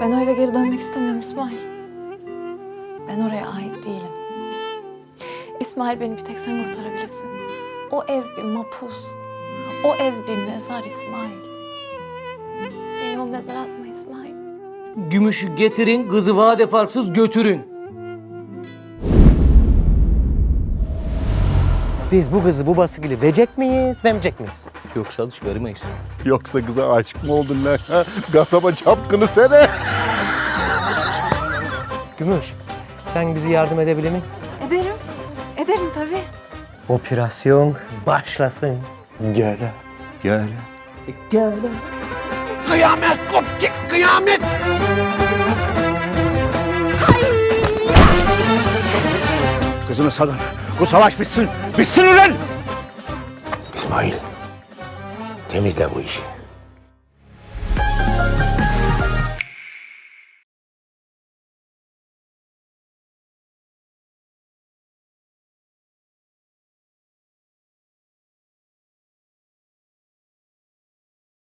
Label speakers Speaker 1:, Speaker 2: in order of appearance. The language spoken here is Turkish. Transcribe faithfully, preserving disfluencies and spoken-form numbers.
Speaker 1: Ben o eve geri dönmek istemiyorum İsmail. Ben oraya ait değilim. İsmail, beni bir tek sen kurtarabilirsin. O ev bir mapus. O ev bir mezar İsmail. Beni o mezara atma İsmail.
Speaker 2: Gümüşü getirin, kızı vade farksız götürün.
Speaker 3: Biz bu kızı bu baskıyla verecek miyiz, vermeyecek miyiz?
Speaker 2: Yoksa alış vermeyiz.
Speaker 4: Yoksa kıza aşık mı oldun lan? Ha? Kasaba çapkını sene.
Speaker 3: Gümüş, sen bizi yardım edebilir mi?
Speaker 1: Ederim. Ederim tabii.
Speaker 3: Operasyon başlasın.
Speaker 4: Gel. Gel.
Speaker 3: Gel.
Speaker 4: Kıyamet kopacak, kıyamet. Kızını salın. Bu savaş bitsin. Bitsin ulan! İsmail, temizle bu işi.